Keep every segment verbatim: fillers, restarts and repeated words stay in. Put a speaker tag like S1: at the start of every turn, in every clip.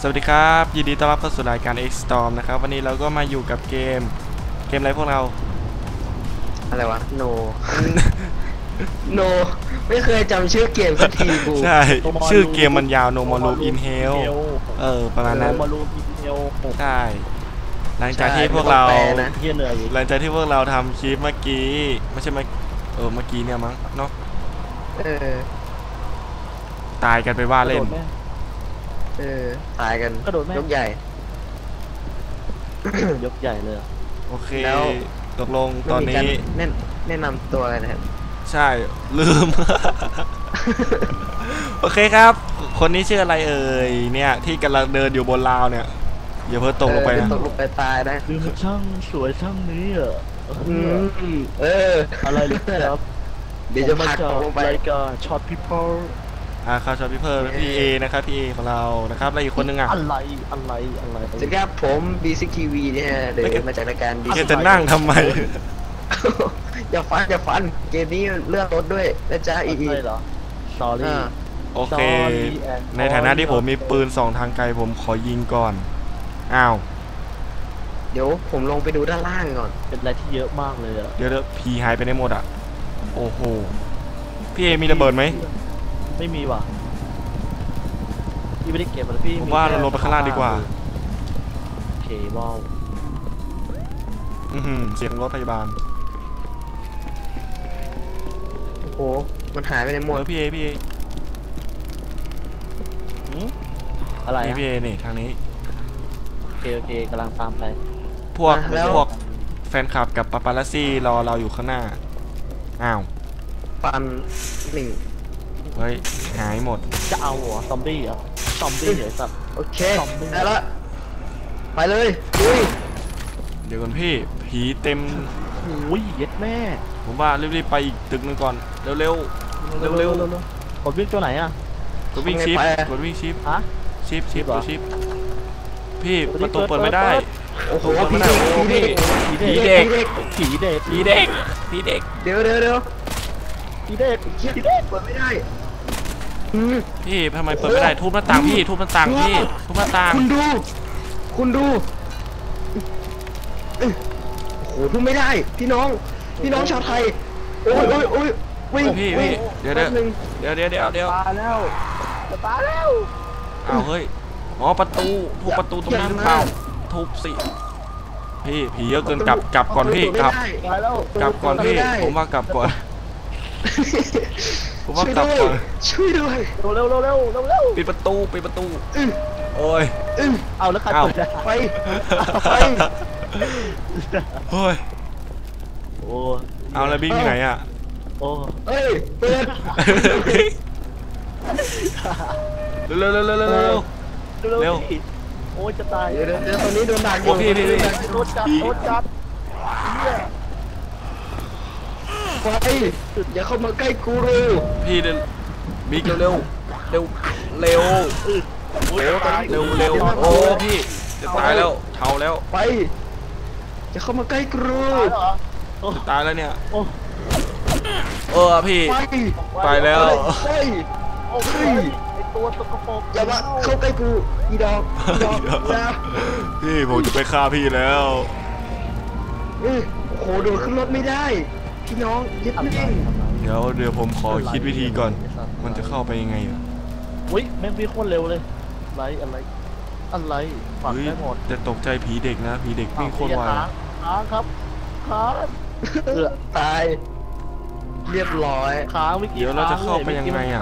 S1: วัสดีครับยินดีต้อนรับเข้าสู่รายการ X Storm นะครับวันนี้เราก็มาอยู่กับเกมเกมอะไรพวกเรา
S2: อะไรวะ no no ไม่เคยจำชื่อเกมสักทีกู
S1: ใช่ชื่อเกมมันยาว No More Room in Hell เออประมาณนั้น
S3: No More Room in Hell
S1: ใช่หลังจากที่พวกเราหลังจากที่พวกเราทำคลิปเมื่อกี้ไม่ใช่เมื่อเออเมื่อกี้เนี่ยมั้งเนาะ
S2: เออ
S1: ตายกันไปว่าเล่น
S2: เออตายกันยกใหญ่
S3: ยกใหญ่เลย
S1: โอเคแล้วตกลงตอนนี้
S2: แนะแนะนำตัวอะไรนะครับ
S1: ใช่ลืม โอเคครับคนนี้ชื่ออะไรเอ่ยเนี่ยที่กำลังเดินอยู่บนราวเนี่ยอย่าเพิ่งตกลงไปนะ
S2: ตกลงไปตายนะ
S3: คือมันช่างสวยช่างนี้อ่ะ
S2: เออ
S3: อะไรหรือครับ
S2: เดี๋ยวจะพาลงไป
S3: รายการช็อตพีเพิล
S1: อ่าครับช็อตพีเพิลพี่เอนะครับพี่เอของเรานะครับแล้วอีกคนนึงอ่ะ
S3: อะไรอะไรอะไร
S2: สวัสดีครับผมบีซิกทีวีเนี่ยเดินมาจากรายการบี
S1: จะนั่งทำไม
S2: อย่าฟันอย่าฟันเกมนี้เลือกรถด้วยนะจ๊ะอีอี
S3: เหรอสอรี่
S1: โอเคในฐานะที่ผมมีปืนสองทางไกลผมขอยิงก่อนอ้าว
S2: เดี๋ยวผมลงไปดูด้านล่างก่อน
S3: เป็นอะไรที่เยอะมากเลยอะ
S1: เดี๋ยวพีหายไปได้หมดอ่ะโอ้โหพี่เอมีระเบิดไหม
S3: ไม่มีว่ะพี่ไม่ได้เก็บมันพี่
S1: ผมว่าเราลงไปข้างล่างดีกว่า
S3: โอเคว้าว
S1: อือเสียงรถพยาบาล
S2: โอ้โหมันหายไปในหมด
S1: พี่เอพี่เอ
S3: อะไร
S1: พี่เอนี่ทางนี้
S3: โอเคโอเคกำลังตามไป
S1: พวกพวกแฟนคลับกับปาปารัสซี่รอเราอยู่ข้างหน้าอ้าว
S2: ปันหนึ่ง
S1: เฮ้ยหายหมด
S3: จะเอาหัวซอมบี้เหรอซอมบี้เหรอสัตว์
S2: โอเคได้ละไปเลยดุย
S1: เดี๋ยวก่อนพี่ผีเต็ม
S3: โอ้ยเย็ดแม่
S1: ผมว่ารีบๆไปอีกตึกนึงก่อนเร็วๆเร็วเร็ว
S3: กดวิ่งตัวไหนอ่ะ
S1: กดวิ่งชิปกดวิ่งชิป
S3: ฮะ
S1: ชิปชิปตัวชิปพี่ประตูเปิดไม่ได้
S2: โอ้โห
S1: ผีเด็กผีเด็กผีเด็กผีเด็กผีเด็ก
S2: เดี๋ยวเดี๋ยวเดี๋ยว
S3: ผีเด็ก
S2: ผีเด็กเปิดไม่ได้
S1: พี่ทำไมเปิดไม่ได้ทุบหน้าต่างพี่ทุบหน้าต่างพี่ทุบหน้าต่าง
S2: คุณดูคุณดูโอ้โหทุบไม่ได้พี่น้องพี่น้องชาวไทยโอ้ยโอ้ยโอ้ยวิ่ง
S1: พี่พี่เดี๋ยวเดี๋ยวเดี๋ยวเดี๋ยวเดี๋ยวเดี๋ยว
S3: ตายแล้วตายแล้ว
S1: เอาเฮ้ยอ๋อประตูทุบประตูตรงนั้นเปล่าทุบสิพี่ผีเยอะเกินกลับกลับก่อนพี่กลับกลับก่อนพี่ผมว่ากลับก่อนผมว่ากลับก่อน
S2: ช่วยด้วย
S3: เร็วเร็วเร็วเร็วเร็ว
S1: ปิดประตูปิดประตูโอ้ย
S3: เอาแล้วใครเปิด
S2: ไปไป
S1: โอ้ย
S3: โอ้
S1: เอาแล้วบิ๊กที่ไหนอ่ะ
S3: โอ้
S2: เฮ้ยเปิด
S1: เร็วเร็วเร็วเร็วเร็วเร็ว
S3: โอ้ยจะตาย
S2: เดี๋ยวเดี๋ยวตอนนี้โดนดักอยู่
S1: พี่พี่พี่
S3: โดนจับโดนจับ
S2: ไปอย่าเข้ามาใกล้กูรู
S1: พี่เดินบิ๊กเร็วเร็วเร็วเร็วเร็วเร็วเร็วโอ้พี่จะตายแล้วเท่าแล้ว
S2: ไปอย่าเข้ามาใกล้กูรู
S1: จะตายแล้วเนี่ยเออพี่ไปแล้ว
S3: โอ้ยไอตัวตกกระปก
S2: อย่ามาเข้าใกล้กูอีดอกดอกนะ
S1: พี่ผมจะไปฆ่าพี่แล้ว
S2: โอ้โหโดดขึ้นรถไม่ได้พี่น้องยึดแม่ง
S1: เดี๋ยวเดี๋ยวผมขอคิดวิธีก่อนมันจะเข้าไปยังไงอ่ะ
S3: อุ้ยแม่งวิ่งโคตรเร็วเลยอะไรอะไรอะไรฝังได้หมด
S1: จะตกใจผีเด็กนะผีเด็กวิ่งโคตรไว
S3: ค้างครับค้าง
S2: เออตายเรียบร้อย
S3: ค้างวิกฤต
S1: เดี๋ยวเราจะเข้าไปยังไงอ่ะ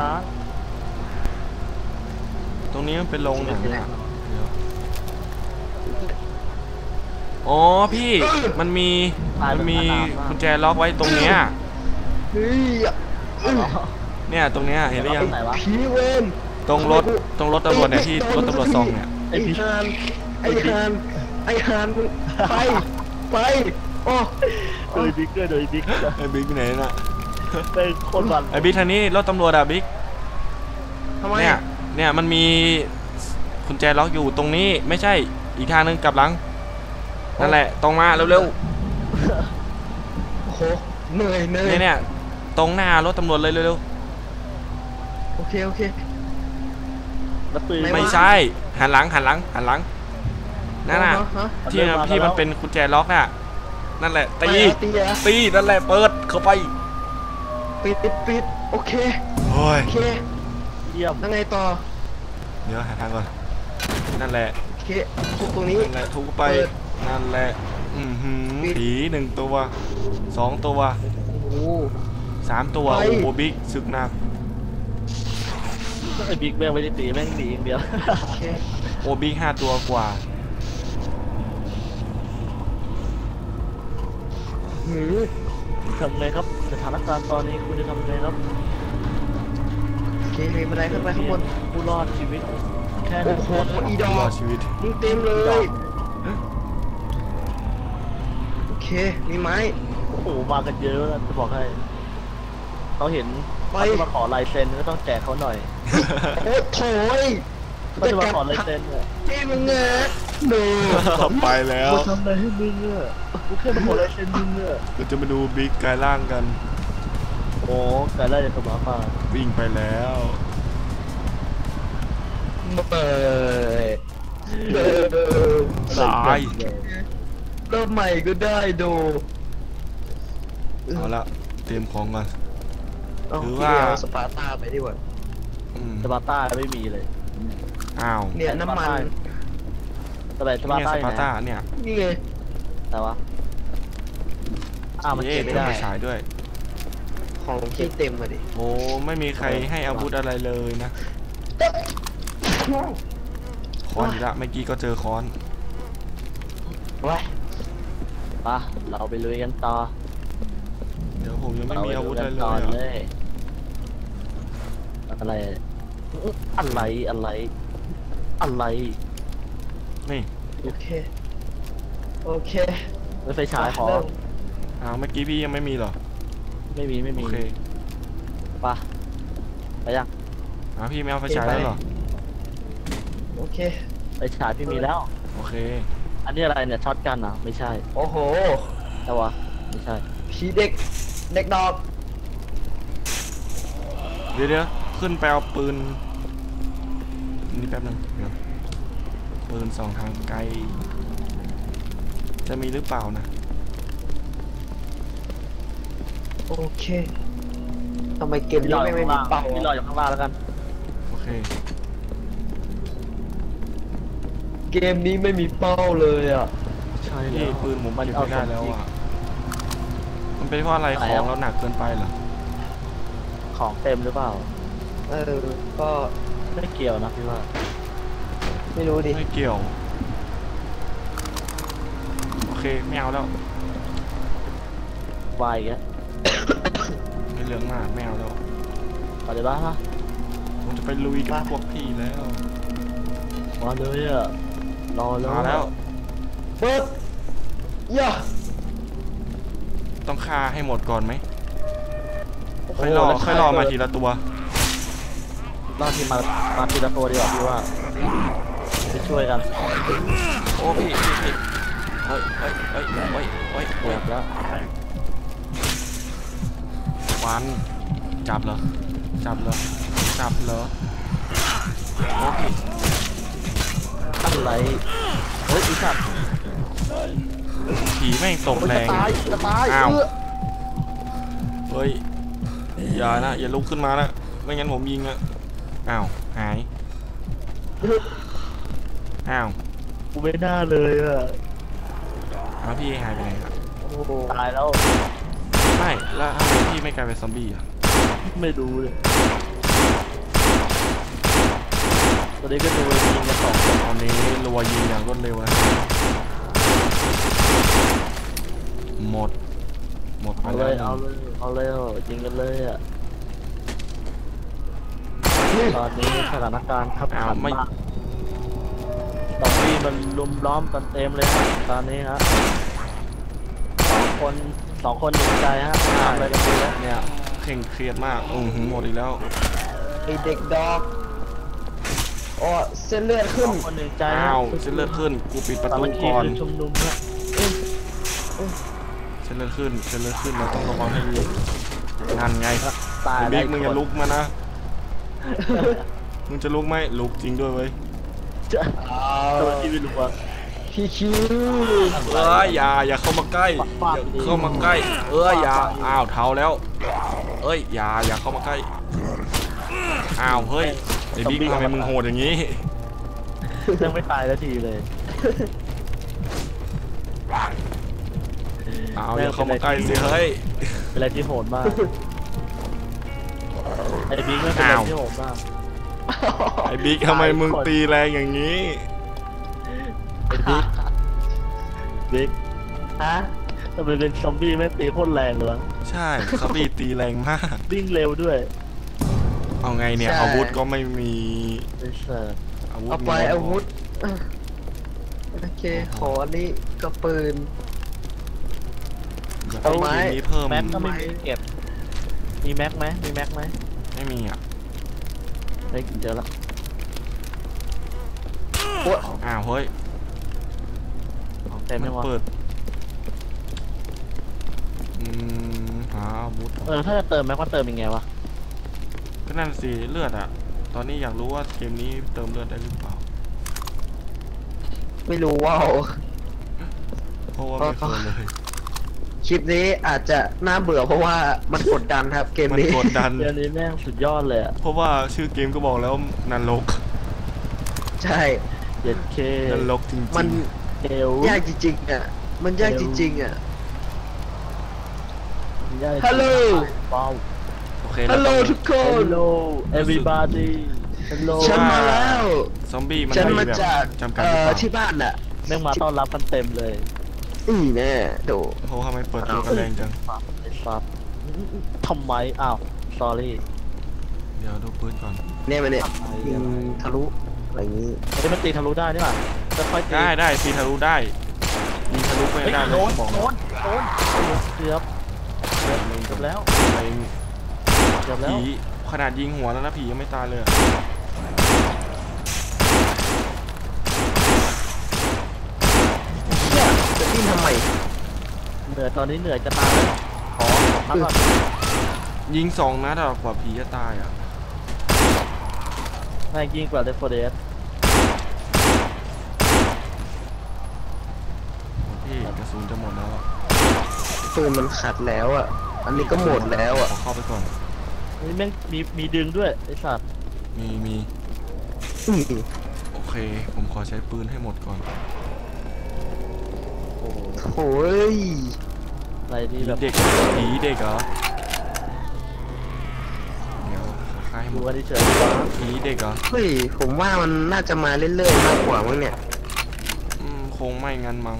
S1: ตรงนี้มันเป็นโรงหนังอ่ะอ๋อพี่มันมีมันมีกุญแจล็อกไว้ตรงเนี้ยเนี่ยตรงเนี้ยเห็นหรือยัง
S2: ผีเวน
S1: ตรงรถตรงรถตำรวจเนี่ยที่รถตำรวจซองเนี่ย
S2: ไอ้ฮานไอ้ฮานไอ้ฮานไปไปโอ้
S3: โดยบิ๊กด้วยโดยบิ๊ก
S1: ไอ้บิ๊กไหนน่ะ
S3: เป็นคนบัน
S1: ไอ้บิ๊กทางนี้รถตำรวจอะบิ๊กเนี่ยเนี่ยมันมีกุญแจล็อกอยู่ตรงนี้ไม่ใช่อีกทางนึงกลับหลังนั่นแหละตรงมาเร็ว
S2: ๆโอ้โหเหนื่อยเหนื่อย
S1: เนี่ยตรงหน้ารถตำรวจเลยเร็ว
S2: ๆโอเคโอเค
S3: แล้วปืน
S1: ไม่ใช่หันหลังหันหลังหันหลังนั่นน่ะ
S2: ฮะ
S1: ที่ที่มันเป็นกุญแจล็อกน่ะนั่นแหละตี
S2: ตีอะ
S1: ตีนั่นแหละเปิดเข้าไป
S2: ปิดปิดปิดโอเค
S1: โอ้ย
S2: โอเค
S3: เยี่ยม
S2: แล้วไงต่อ
S1: เดี๋ยวหาทางก่อนนั่นแหละ
S2: โอเคทุกตรงนี้
S1: นั่นแหละทุบไป
S2: เปิด
S1: นั่นแหละอือหือ
S2: ปิด
S1: ผีหนึ่งตัวสองตัว
S2: โอ้โห
S1: สามตัว
S2: ไป
S1: โอ้โหบิ๊กศึกหนัก
S3: ไอ้บิ๊กแม่งไม่ได้ตีแม่งดีอย่างเดียว
S2: โอเค
S1: โอ้บิ๊กห้าตัวกว่า
S2: หือ
S3: ทำไงครับสถานการณ์ตอนนี้คุณจะทำไงครับ
S2: โอเคมีบันไดขึ้นไปข้างบน
S3: ผู้รอดชีวิตแค่
S2: โอ้โหอีดอ
S1: รอก ดชีวิต
S2: มึงเต็มเลย โอเค มีไม้
S3: โอ้โหมากันเยอะนะจะบอกให้เขาเห็น
S2: ไป
S3: เขาจะมาขอลายเซ็นก็ต้องแจกเขาหน่อย
S2: โอ้โถย
S3: เขาจะมาขอลายเซ็นเนี่ย
S2: พี่มึงเงะหนู
S1: ไปแล้ว
S3: กูทำอะไรให้มึงอ่ะกูแค่มาขอลายเซ็นมึงอ่ะ
S1: เราจะมาดูบิ๊กกลายร่างกัน
S3: โอ้การไล่จากหมาป่า
S1: วิ่งไปแล้ว
S2: เปิดเปิด
S1: ตาย
S2: เริ่มใหม่ก็ได้ดู
S1: เอาละเตรียมของก่อน
S2: เอา
S1: ถือ
S2: พี่
S1: ว่า
S2: เอาสปาร์ตาไปดีกว่า
S1: อืม
S3: สปาร์ต้าไม่มีเลย
S1: อ้าว
S2: เนี่ยน้ำมัน
S3: แต่แบบสปาร์
S1: เนี่ย
S3: ต้า
S1: ส
S3: อยู่
S1: ปา
S3: ไห
S1: ร์
S3: น
S1: ต้าเนี่ย
S2: นี่ไง
S3: แต่ว่าอ้าวมัน
S1: เอ๊ะ
S3: เก็บไม่
S1: ต้อง
S3: ได้
S1: ไปฉายด้วย
S2: ของพี่เต็มมาดิ
S1: โอ้ไม่มีใครให้อาวุธอะไรเลยนะค้อนอีกละเมื่อกี้ก็เจอค้อน
S2: ว้าย
S3: ปะเราไปลุยกันต่อ
S1: เดี๋ยวผมยังไม่
S3: เรา
S1: มี
S3: ไป
S1: อา
S3: ลุ
S1: วุ
S3: ย
S1: ธ
S3: กั
S1: อะไร
S3: น
S1: เล
S3: ต่อย
S1: อะ
S3: เลยอะไรอะไรอะไรอะไร
S1: นี่
S2: โอเค โอเค
S3: รถไฟฉายขอ
S2: เริ่ม
S1: อ้าวเมื่อกี้พี่ยังไม่มีเหรอ
S3: ไม่มีไม่
S1: โอ
S3: มี
S1: เค
S3: ปะไปยัง
S1: อ้าวพี่ไม่เอาไฟฉายแล้วเหรอ
S2: โอเค
S3: ไปฉายพี่มีแล้ว
S1: โอเค
S3: อันนี้อะไรเนี่ยช็อตกันเหรอไม่ใช่
S2: โอ้โห
S3: แต่วะไม่ใช่
S2: ผีเด็ก เด็กดอก
S1: เดี๋ยวเดี๋ยวขึ้นไปเอาปืนนี่แป๊บนึงเดี๋ยวปืนสองทางไกล จะมีหรือเปล่านะ
S2: โอเคทำไมเกมนี้ไม่ไม่มีเป่า
S3: พี่รออยู่ข้างล่างแล้วกัน
S1: โอเค
S2: เกมนี้ไม่มีเป้าเลยอ่ะ
S3: ใช่
S1: นี่ปืนผมเก็บไม่ได้แล้วอ่ะ มันเป็นเพราะอะไรของเราหนักเกินไปเหรอ
S3: ของเต็มหรือเปล่า
S2: เออ ก็
S3: ไม่เกี่ยวนะพี่ว่า
S2: ไม่รู้ดิ
S1: ไม่เกี่ยว โอเคไม่เอาแล้ว
S3: วายอีกแล้ว
S1: ไม่เหลืองมากไม่เอาแล้ว
S3: ไปเลยบ้างนะ
S1: ผมจะไปลุยกับพวกพี่แล้ว
S3: มาเลยอ่ะรอแล้ว
S1: มาแล้ว
S2: เปิดย่า
S1: ต้องฆ่าให้หมดก่อนไหม
S2: โอ้โห
S1: ค่อยรอ
S2: แล้ว
S1: ค่อยรอมา
S2: เปิด
S1: ทีละตัว
S3: รอบที่มามาทีละตัวดีกว่าพี่ว่าไปช่วยกัน
S1: โอ้พี่พี่พี่เฮ้ยเฮ้ยเฮ้ยเฮ้ยเฮ้ยเฮ้ย
S3: เกือบแล้ว
S1: ฟันจับเหรอ จับเหรอ จับเหรอโอ้พี่
S3: อะไรเฮ้ยอีสัตว์
S1: ผีแม่งตก
S3: มัน
S1: แร
S3: จะ
S1: ง
S3: ตายจะตาย
S1: อ้าว
S3: เออ
S1: เฮ้ย อย่านะ อย่าลุกขึ้นมานะ ไม่งั้นผมยิงอะอ้าว หาย อ้าว
S3: กูไม่น่าเลยอ่ะ
S1: อ้าวพี่หายไปไหนครับ
S2: โอ้โห
S3: ตายแล้ว
S1: ไม่ แล้วทำไมพี่ไม่กลายเป็นซอมบี้อะ
S3: ไม่รู้เลยตอนนี้ก็ดูยิงกันสองคน
S1: ตอนนี้รัวยิงอย่างรวดเร็วนะ หมด หมดไป
S3: เอาเล
S1: แล้ว
S3: ยเอาเลยเอาเลยยิงกันเลยอ่ะตอนนี้สถานการณ์ขับ
S1: อ้าว
S3: ขัน
S1: ไม่
S3: มากตอนนี้มันลุมล้อมกันเต็มเลยครับตอนนี้ฮะสองคนสองคนหนึ่งใจฮะทำอะไรกันดีแล้ว
S1: เนี่ยเคร่งเครียดมากอือหือหมดอีกแล้ว
S2: ไอเด็กดอกโอ้เส้นเลือด
S3: ส
S2: ขึ้น
S3: องคนหนึ่งใจฮะ
S1: อ้าวเส้นเลือดขึ้น กูปิดประ
S3: สา
S1: ตู
S3: มัคคี
S1: ก่อน
S3: คือชุมนุมฮะ
S1: เส้นเลือดขึ้นเส้นเลือดขึ้นเราต้องระวังให้ดีนั่นไง
S3: ตาย
S1: ไอ้
S3: ได้
S1: บิ๊กมึงอย่าลุกมานะ มึมึงจะลุกไหมลุกจริงด้วยเว้ย
S3: จะตัวที่ไม่รู้ว่า
S2: พี่คิว
S1: เอ้ยอย่าอย่าเข้ามาใกล้
S3: ปาก
S1: อย่า
S3: ดี
S1: เข้ามาใกล้เอ้ยอย่าอ้าวเท้าแล้วเอ้ยอย่าอย่าเข้ามาใกล้อ้าวเฮ้ยไอ้บิ๊กทำไมมึงโหดอย่างนี้
S3: ยังไม่ตายแล้วทีเลย
S1: อ้าวอย่าเข้ามาใกล้สิเฮ้ย
S3: เป็นอะไรที่โหดมากไอ้บิ๊กไม่เป็นอะไรที่โหดมาก
S1: ไอ้บิ๊กทำไมมึงตีแรงอย่างนี้
S3: ไอ้บิ๊กบิ๊ก
S2: ฮะ
S3: ทำไมเป็นซอมบี้ไม่ตีโคตรแรงเลยวะ
S1: ใช่เขาบีตีแรงมาก
S3: วิ่งเร็วด้วย
S1: เอาไงเนี่ยอาวุธก็ไม่มี
S3: ไอ้เสิร์ฟ
S1: อาวุธ
S2: เอาไป
S1: มีน้ย
S2: อาวุธโอเคขออันนี้ก็ปืน
S1: อยาก
S2: เอา
S1: ให้
S2: ไม้
S1: ทีมนี้เพิ่ม
S3: แม็กก็ไม่มีเก็บ มีแม็กไหมมีแม็กไหม
S1: ไม่มีอ่ะ
S3: ไม่เจอแล้ว
S1: อ้าวเฮ้ย
S3: ของเต็ม
S1: มั
S3: ยั
S1: น
S3: งวะ
S1: เปิดอืมหาอาวุธ
S3: เออถ้าจะเติมแม็กว่าเติมยังไงวะ
S1: ก็นั่นสิเลือดอ่ะ ตอนนี้อยากรู้ว่าเกมนี้เติมเลือดได้หรือเปล่า
S2: ไม่รู้ว่าว
S1: เพราะว่าไม่เคยเลย
S2: คลิปนี้อาจจะน่าเบื่อเพราะว่ามันกดดันครับเกม
S1: มัน
S2: นี้
S1: กดดัน
S3: เดือนนี้แม่งสุดยอดเลยอะ
S1: เพราะว่าชื่อเกมก็บอกแล้วนรก
S2: ใช่
S3: เจ็ดเค
S1: นรกจริงๆ
S2: มัน
S3: เอล
S2: ยากจริงๆอ่ะมันยากจริงๆอ่ะ
S3: ยาก
S2: ฮัลโหล
S3: ว้าว
S1: โอเค
S2: ฮัลโหลทุกคน
S3: Hello everybody Hello
S2: ฉันมาแล้ว
S1: ซอมบี้มัน
S2: ฉัน
S1: มี
S2: มา
S1: แบบ
S2: จาก
S1: จำกัด
S2: เอ่
S1: หรือ
S2: อ
S1: เปล่า
S2: ที่บ้านน่ะ
S3: แม่งมาต้อนรับกันเต็มเลย
S2: อือแน่โด
S1: โอ้ทำไมเปิดตัวกันแรงจัง
S3: ฟับไอ้ฟับทำไมอ้าว sorry
S1: เดี๋ยวดูปืนก่อน
S2: เนี่ยมันเนี่ย
S3: ทำไม
S2: ยิ
S3: อะ
S2: งทะลุอะไรอย่างนี้
S3: เฮ้ยมันตีทะลุได้นี่หว่าจะค่อยตี
S1: ได้ได้ตีทะลุได้ยิงทะลุไม่
S3: เฮ้ย
S1: ได้เล
S3: โด
S1: ย
S3: น
S1: บอก
S3: โดนโดนเกือบเกือบเกือบแล้ว
S1: ไอ้
S3: เกือบแล้ว
S1: ผีขนาดยิงหัวแล้วนะผียังไม่ตายเลยอะ
S2: เนี่ยจะดิ้นทำไม
S3: เหนื่อยตอนนี้เหนื่อยจะตายแล้วขอพักก่อน
S1: ยิงสองนัดอะกว่าผีจะตายอ่ะ
S3: แม่งยิ่งกว่าเดฟโฟเดส
S1: พี่กระสุนจะหมดแล้วอะ
S2: ปืนมันขัดแล้วอ่ะ อันนี้ก็หมดแล้วอ่ะ
S1: ขอเข้าไปก่อน
S3: นี่แม่งมีมีดึงด้วยไอ้สัตว์
S1: มีมี
S2: อืม
S1: โอเค ผมขอใช้ปืนให้หมดก่อน
S3: โอ้โห
S2: โอ้ย
S3: อะไรดี
S1: ผี
S3: แบบ
S1: เด็กผีเด็กเหรอเดี๋ยวขอค่ายให้หม
S3: ดู
S1: ด
S3: กันเฉยๆดีกว่า
S1: ผีเด็กเหรอ
S2: เฮ้ยผมว่ามันน่าจะมาเรื่อยๆมากกว่ามั้งเนี่ย
S1: อืมคงไม่งั้นมั้ง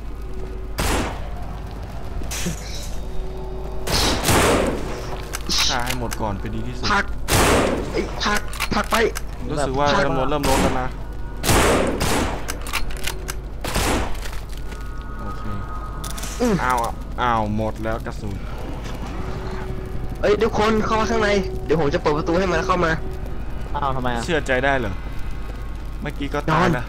S1: ฆ่าให้หมดก่อนเป็นดีที่สุด
S2: พักไอ้ยพักพักไป
S1: รู้สึกว่าจำนวนเริ่มลดแล้วนะโอเค
S2: อืม
S1: อ้าวอ้าวหมดแล้วกระสุน
S2: เอ้ยทุกคนเข้ามาข้างในเดี๋ยวผมจะเปิดประตูให้มันเข้ามา
S3: อ้าวทำไมอ่ะ
S1: เชื่อใจได้เหรอเมื่อกี้ก็ตายนะ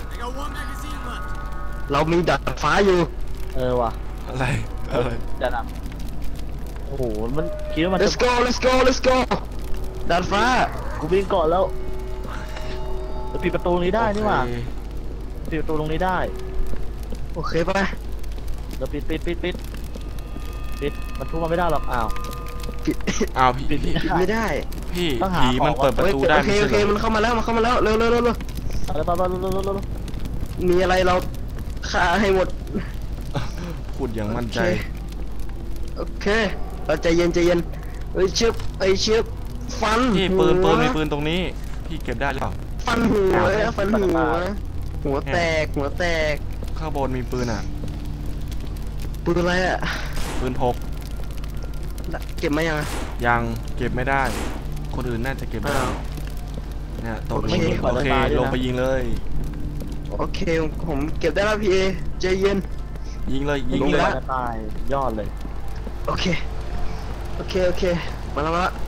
S2: เรามีดาดฟ้าอยู่
S3: เออว่ะ
S1: อะไรอะไร
S3: จะดับโอ้โหมันคิดว่ามันจะ
S2: let's go let's go let's go ดาดฟ้า
S3: กูวิ่งก่อนแล้วจะปิดประตูตรงนี้ได้นี่หว่า
S1: โอเค
S3: ปิดประตูตรงนี้ได้
S2: โอเคปะ
S3: เดี๋ยวปิดปิดปิดปิดปิดมันทุบมันไม่ได้หรอกอ้าว
S2: ปิด
S1: อ้าวพี่
S3: ปิด
S1: พี่
S2: ปิดไม่ได้
S1: พี่
S3: ต้องหา
S1: ผีมัน
S3: ของ
S1: เปิดประตูได้
S2: โอเค
S1: ไม่
S2: โอเค
S1: ใช่เหร
S2: มั
S1: อน
S2: เข้ามาแล้วมันเข้ามาแล้วเร็วเร็วเร็วเร็ว
S3: เอาเลยไปไปไปไปไปไป
S2: มีอะไรเราฆ่าให้หมด
S1: พูดอย่างมั่นใจ
S2: โอเคเราใจเย็นใจเย็นเอ้ยเชือบไอ้ยเชือบฟัน
S1: พี่ปืน
S2: หัว
S1: ปืนมีปืนตรงนี้ พี่เก็บได้หรือเปล่า
S2: ฟันหัวฟันหัวหัวแตกหัวแตก
S1: ข้างบนมีปืนอ่ะ
S2: ปืนอะไรอ่ะ
S1: ปืนพก
S2: เก็บมายังอะ
S1: ยังเก็บไม่ได้ คนอื่นน่าจะเก็บได้
S2: อ้าว
S1: เนี่ยตก
S2: โอ
S1: ล
S2: เค
S1: งโอเคลงไปยิงเลย
S2: โอเคผมเก็บได้แล้วพี่เอใจเย็น
S1: ยิงเลยยิง
S3: ลง
S1: เล
S3: ไป
S1: ย
S3: จะตายยอดเลย
S2: โอเคโอเคโอเคมาแล้วมาแล้ว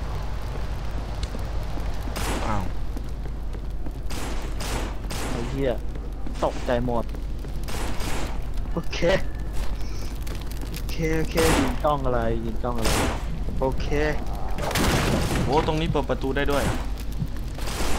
S1: อ้าว
S3: ไอ้เหี้ยตกใจหมด
S2: โอเคโอเคโอเค
S3: ยิงจ้องอะไรยิงจ้องอะไร
S2: โอเค
S1: โอ้ตรงนี้เปิดประตูได้ด้วย
S2: เอ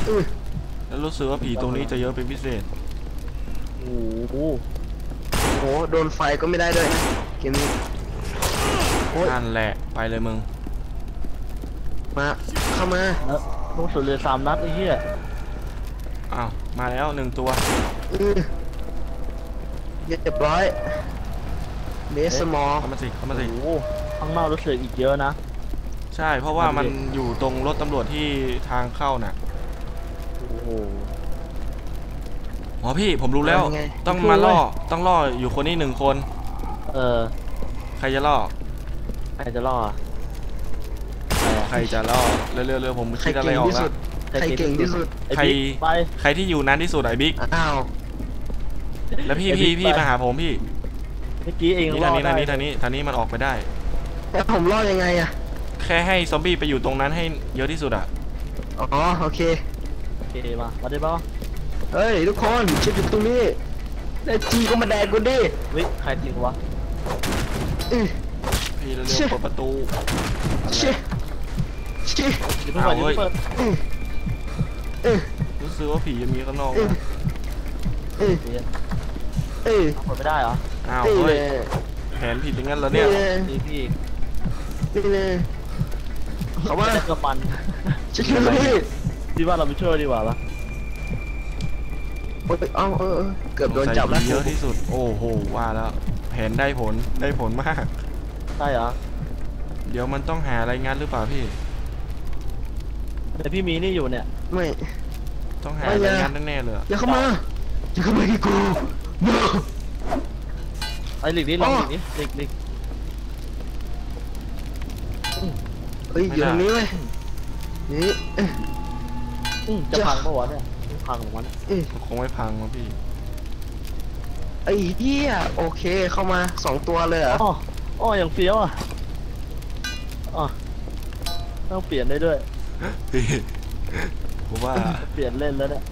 S2: อ
S1: แล้วรู้สึกว่าผีตรงนี้จะเยอะเป็นพิเศษ
S3: โอ้โห
S2: โหโดนไฟก็ไม่ได้ด้วยนะเกมนี้โอ้ย
S1: นั่นแหละไปเลยมึง
S2: มาเข้ามา
S3: แล้วลูกสุดเลยสามนัดไอ้เหี้ย
S1: อ้าวมาแล้วหนึ่งตัว
S2: เออเรียบร้อยเบสสมอล
S1: เข้ามาสิเข้ามาสิ
S3: โอ้โหข้างนอกรู้สึกอีกเยอะนะ
S1: ใช่เพราะว่ามันอยู่ตรงรถตำรวจที่ทางเข้าน่ะ
S3: โอ้โห
S1: อ๋อพี่ผมรู้แล้ว
S2: ไง
S1: ต้องมาล่อต้องล่ออยู่คนนี้หนึ่งคน
S3: เออ
S1: ใครจะล่อ
S3: ใครจะรอดใครอะ
S1: ใครจะล่อเร็วๆเร็วผม
S2: ใคร
S1: คิดอะไร
S2: เก่ง
S1: ออก
S2: ที่
S1: แล้
S2: สุ
S1: ว
S2: ดใครเก่งที่สุด
S3: ไอ้
S1: ใคร
S3: บิ๊กไป
S1: ใครที่อยู่นานที่สุดไอ้บิ๊ก
S2: อ้าว
S1: แล้วพี่
S3: ไอ้
S1: พี่
S3: บิ๊ก
S1: พี่
S3: ไป
S1: มาหาผมพี่
S3: เมื่อกี้เอง
S1: นี่
S3: ร
S1: ทา
S3: อง ด
S1: นี้
S3: ได้
S1: ทางนี้ทางนี้ทางนี้มันออกไปได้
S2: แล้วผมรอดยังไงอะ
S1: แค่ให้ซอมบี้ไปอยู่ตรงนั้นให้เยอะที่สุดอะ
S2: อ๋อโอเค
S3: โอเคมามาได้ป่ะ
S2: เฮ้ยทุกคนชิดอยู่ตรงนี้ได้จีก็มาแดกกูดิ
S3: วิใครจริงวะ
S2: อื้อ
S1: พี่เร็ว
S2: เชี่ย
S1: ๆเปิดประตู
S2: ชิชิ
S3: อย่าเพิ่งเปิดอย่าเพิ่งเปิด
S2: อื้ออื้อ
S1: รู้สึกว่าผีจะมีข้างนอก
S2: อื้อ
S1: นะ
S2: อื้อ
S3: เดี๋ยว
S2: อื้อ
S3: เปิดไม่ได้เหรอ
S1: อ้าว
S2: นี่
S1: เฮ้
S2: เลย ย
S1: แผนผิดอย่างนั้นเหรอ
S2: นี่
S1: เนี่ย
S2: เลย
S3: นี่พี่
S2: นี่เลยเขาว่า
S3: ไม่ได้กระปัน
S2: ชิดอยู่ตรงนี้
S3: พี่ว่าเราไปช่วยดีกว่าปะ
S2: โอ้ยเอ้าเออเออเกือบโดนจับแล้ว
S1: สงสัยผีเยอะที่สุดโอ้โหว่าแล้วแผนได้ผลได้ผลมาก
S3: ใช่เหรอ
S1: เดี๋ยวมันต้องหาอะไรงัดหรือเปล่าพี่
S3: แต่พี่มีนี่อยู่เนี่ย
S2: ไม่
S1: ต้องหา
S2: ไม่
S1: อะไร
S2: นะ
S1: งัดแน่ๆเลยอะ
S2: อย่าเข้ามาอย่าเข้ามาที่กู no
S3: ไอ้หลีกนี่ลอง
S2: อ๋
S3: ห
S2: อ
S3: ลีกนี่หลีกหลีก
S2: เฮ้ยอยู่ตรงนี้เว้ยนี่เอ้ย
S3: อืมจะ
S2: จะ
S3: พังปะวะเนี่ยพังของมัน
S2: เอ้ย
S1: คงไม่พังมั้งพี่
S2: ไอ้เหี้ยโอเคเข้ามาสองตัวเลยเหรอ
S3: อ๋ออ๋ออย่างเฟี้ยวอ่ะอ๋อต้องเปลี่ยนได้ด้วย
S1: พี่ผมว่า
S3: เปลี่ยนเล่นแล้วเนี่ย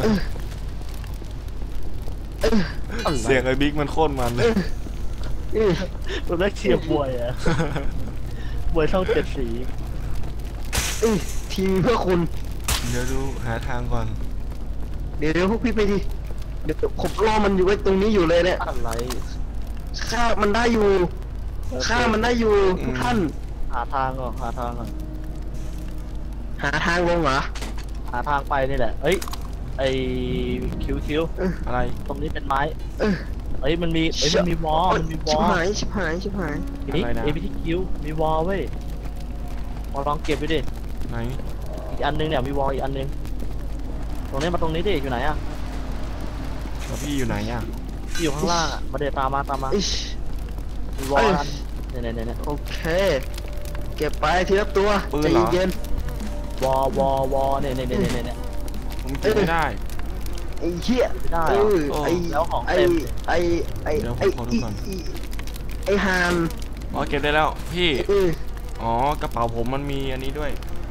S2: เอ้ย
S1: เสียงไอ้บิ๊กมันโคตรมันเลย
S2: เอ้ย
S3: มันได้เชียร์บวยอ่ะบวยช่องเจ็ดสี
S2: เอ้ยทีมเพื่อคุณ
S1: เดี๋ยวดูหาทางก่อน
S2: เดี๋ยวเดี๋ยวพวกพี่ไปดิเดี๋ยวผมรอมันอยู่ไว้ตรงนี้อยู่เลยเนี่ย
S3: อะไร
S2: ฆ่ามันได้อยู่ฆ่ามันได้อยู่ทุกท่าน
S3: หาทางก่อนหาทางก่อน
S2: หาทางลงเหรอ
S3: หาทางไปนี่แหละเอ้ยไอคิวคิว
S1: อะไร
S3: ตรงนี้เป็นไม้
S2: เออ
S3: เอ้ยมันมีเอ้ยมันมีวอลมันมีว
S2: ชิ
S3: อบ ล
S2: หายชิบหายชิบหาย
S3: นี่เอพีทีคิวมีวอลเว้ยมาลองเก็บดูดิ
S1: ไหน
S3: อีกอันนึงเนี่ยมีวอลอีกอันนึงตรงนี้มาตรงนี้ดิอยู่ไหนอ่ะ
S1: แล้วพี่อยู่ไหนอ่ะ
S3: ที่อยู่ข้างล่างอ่ะมาเดี๋ยวตามมาตามมา
S2: อิช
S3: มีวอลอันเนี่ยเนี่ยเนี่ย
S2: โอเค เก็บไปทีละตัวใจเย็น
S3: วอลวอลวอลเนี่ยเนี่ยเนี่ยเนี่ยเนี่ย
S1: ผมเก็บไม่ได้
S2: ไอ้เหี้ย
S3: ไม่ได้
S2: เอ
S3: เหรอ
S2: อไอ้
S3: แล้วของ
S2: ไอ้
S3: เต็ม
S2: ไอ้ไอ้
S1: เดี๋ยวผม
S2: ไอ้
S1: ขอดู
S2: อี
S1: ก่อน
S2: อีไอ้ฮาน
S1: อ๋อเก็บได้แล้วพี่
S2: เออ
S1: อ๋อกระเป๋าผมมันมีอันนี้ด้วย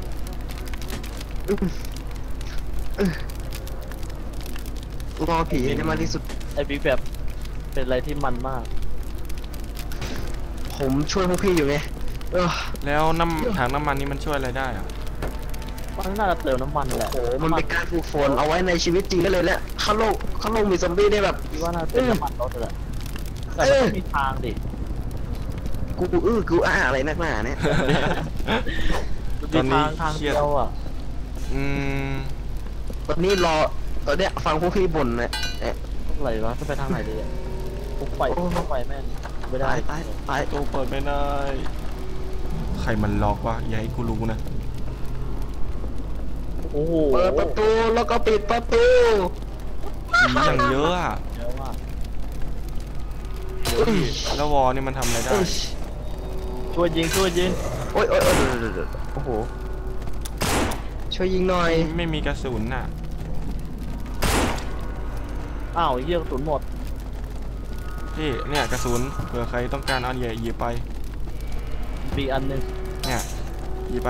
S2: รอผีให้ได้มากที่สุด
S3: ไอ้บิ๊กแบบเป็นอะไรที่มันมาก
S2: ผมช่วยพวกพี่อยู่ไงเออ
S1: แล้วน้ำถังน้ำมันนี่มันช่วยอะไรได้อ่ะ
S3: มันน่าจะเติมน้ำมันแหละ
S2: โหมันเป็นการฝึกฝนเอาไว้ในชีวิตจริงได้เลยแหละข้างโลกข้างโลกมีซอมบี้ได้แบบ
S3: คิดว่าน่าจะเป็นน้ำมันรถแหละแต่มันต้องมีทางดิ
S2: กูอื้อกูอ้าอะไรนักหนาเนี่ย
S3: มันมีทางทางเดียวอ่ะ
S1: อืม
S2: ตอนนี้รอตอนเนี้ยฟังพวกพี่บ่นเนี่ยเอ๊ะ
S3: อะไรวะจะไปทางไหนดีอ่ะปุ๊บไปปุ๊บไปแม่งไม่ได้
S2: ตายตายตาย
S1: ตู้เปิดไม่ได้ ใครมันล็อกวะอย่าให้กูรู้นะ
S3: โอ้โห
S2: เปิดประตูแล้วก็ปิดประตู
S1: ผีอย่างเยอะอ่ะ
S3: เยอะมาก
S1: เดี๋ยวพี่แล้ววอลนี่มันทำอะไรได้
S2: เอ้ย
S3: ช่วยยิงช่วยยิง
S2: โอ้ยโอ้ยโอ้ยเดี๋ยวเดี๋ยวเดี๋ยวโอ้โหช่วยยิงหน่อย
S1: ไม่มีกระสุนน่ะ
S3: อ้าวเยี่ยกระสุนหมด
S1: พี่เนี่ยกระสุนเผื่อใครต้องการเอาเหยียหยิบไป
S3: มีอันหนึง
S1: เนี่ยหยิบไป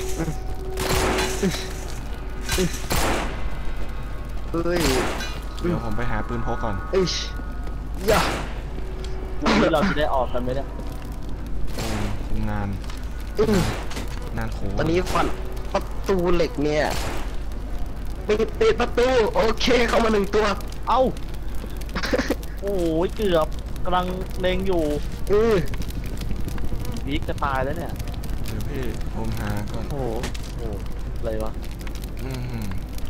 S2: เอ้ย
S1: เดี๋ยวผมไปหาปืนพกก่อน
S2: เอ้ยอย่า
S3: วันนี้เราจะได้ออกกันไหมเนี่ย
S1: โอ้คงนาน
S2: อื้อน
S1: านโข
S2: ตอนนี้ฟันประตูเหล็กเนี่ยปิดปิดประตูโอเคเข้ามาหนึ่งตัว
S3: เอ้าโอ้ยเกือบกำลังเลงอยู่
S2: เออ
S3: บิ๊กจะตายแล้วเนี่ย
S1: เดี๋ยวพี่ผมหาก่อน
S3: โอ้โหโอ้โหอะไรวะ
S1: อืม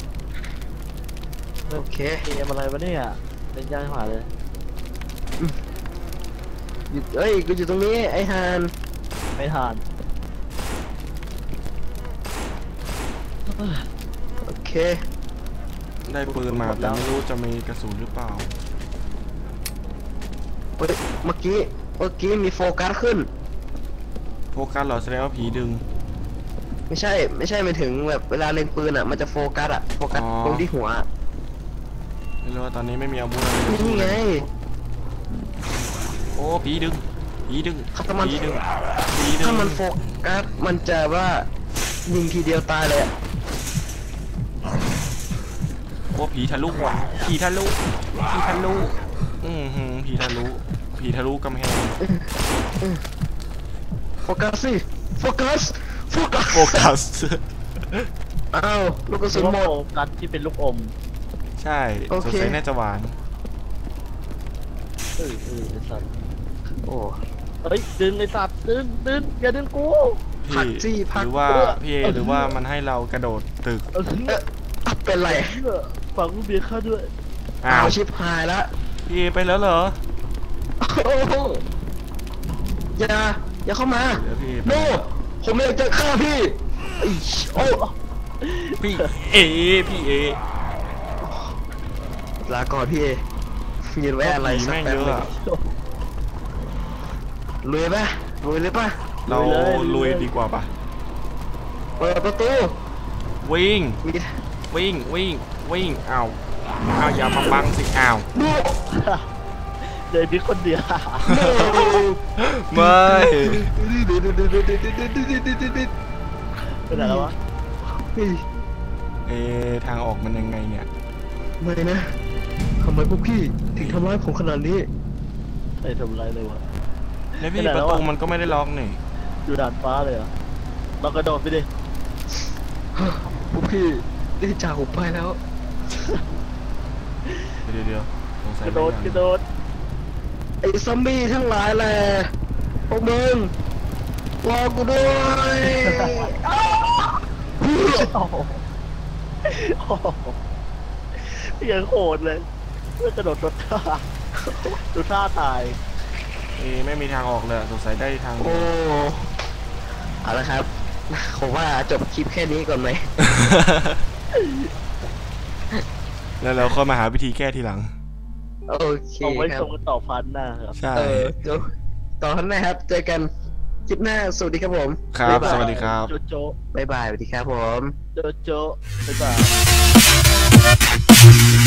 S2: โอเค
S3: เกมอะไรวะเนี่ยเล่นยากหาเลย
S2: หยุดเอ้ยกูอยู่ตรงนี้ไอ้ฮาน
S3: ไม่ทาน
S2: โอเค
S1: ได้ปืนมาแต่ไม่รู้จะมีกระสุนหรือเปล่า
S2: เฮ้ยเมื่อกี้เมื่อกี้มีโฟกัสขึ้น
S1: โฟกัสเหรอแสดงว่าผีดึง
S2: ไม่ใช่ไม่ใช่หมายถึงแบบเวลาเล็งปืนอ่ะมันจะโฟกัสอ่ะโฟกัส
S1: อ๋อ
S2: ตรงที่หัวอะ
S1: ไม่รู้ว่าตอนนี้ไม่มีอาวุธอะไรเลย
S2: นี่ไง
S1: โอ้ผีดึงผีดึง
S2: ถ้ามัน
S1: ผีดึงผีดึง
S2: ถ้ามันโฟกัสมันจะว่ายิงทีเดียวตายเลยอะ
S1: โอ้ผีทะลุว่ะผีทะลุผีทะลุอือหือผีทะลุผีทะลุกำแพง
S2: โฟกัสสิโฟกัสโฟกัส
S1: โฟกัส
S2: อ้าวลูกกระสุนหมด
S3: โฟกัสที่เป็นลูกอม
S1: ใช่
S2: โอ
S1: สง
S2: เค
S1: สัยน่าจะหวาน
S3: เออเออไอ้สัตว์
S2: โอ้
S3: เฮ้ยดึงไอ้สัตว์ดึงดึงอย่าดึงกู
S1: พี่
S2: ผักจี้ผัก
S1: หรือว่าพี่เอหรือว่ามันให้เรากระโดดตึก
S3: เออ
S2: เอ๊ะอ่ะเป็นไร
S3: ฝังลูกเบียร์เข้าด้วย
S1: อ้า
S2: อ้าว
S1: ว
S2: ชิบหายละ
S1: พี่เอไปแล้วเหรอ
S2: โอ้โหอย่าอย่าเข้ามา
S1: เดี๋ยวพี่เอไป
S2: โน่ผมไม่อยากจะฆ่าพี่ไอ้โอ้
S1: พี่เอพี่เอ
S2: ลาก่อนพี่เอยืนไว้อะไร
S1: ผี
S2: สัก
S1: แม่ง
S2: แป๊บ
S1: เยอะ
S2: หนึง
S1: อะ
S2: ลุยป่ะลุยเลยป่ะ
S1: เราลุยดีกว่าปะ
S2: เปิดประตู
S1: วิ่ง
S2: มี
S1: วิ่งวิ่งวิ่งอ้าวอ้าวอย่ามาบังสิอ้าว
S2: โน่
S3: เดินบิ๊กคนเดียว
S2: โน่
S1: ไม่
S3: เป็นอะไรวะ
S2: เฮ้ย
S1: เอะทางออกมันยังไงเนี่ย
S2: ไม่นะทำไมพวกพี่ถึงทำร้ายผมขนาดนี้
S3: ไอ้ทำอะไรเลยวะ
S1: แล้วพี่
S3: ไปไหน
S1: ป
S3: แล้
S1: ระ
S3: ว
S1: ตู
S3: อะ
S1: มันก็ไม่ได้ล็อกนี่
S3: อยู่ด่านฟ้าเลยเหรอเรากระโดดไปดิ
S2: พวกพี่ได้จากผมไปแล้ว
S1: เดี๋ยวเดี๋ยวสงสัย
S3: กระโดด
S1: ไม่
S3: กระ
S1: ยัง
S3: โดด
S2: ไอ้ซอมบี้ทั้งหลายแหละพวกมึงรอกูด้วยอ้าว
S3: โอ้โหโอ้โหยังโหดเลยเพื่อกระโดดรถท่าดูท่าตาย
S1: เอะไม่มีทางออกเลยสงสัยได้ทาง
S2: โอ้เอาละครับผมว่าจบคลิปแค่นี้ก่อนไหม
S1: แล้วเราค่อยมาหาวิธีแก้ทีหลัง
S2: โอเค
S3: เอาไว้
S2: ครั
S3: ส่
S2: บ
S3: งกันต่อพันหน้าครับ
S1: ใช่
S2: เออเดี๋ยวต่อท่านหนะครับ เจอกันคลิปหน้า สวัสดีครับผม
S1: ครับ
S2: บ๊ายบาย
S1: สวัสดีครับ
S3: โจโจ
S2: บ๊ายบายสวัสดีครับผม
S3: โจโจบ๊ายบาย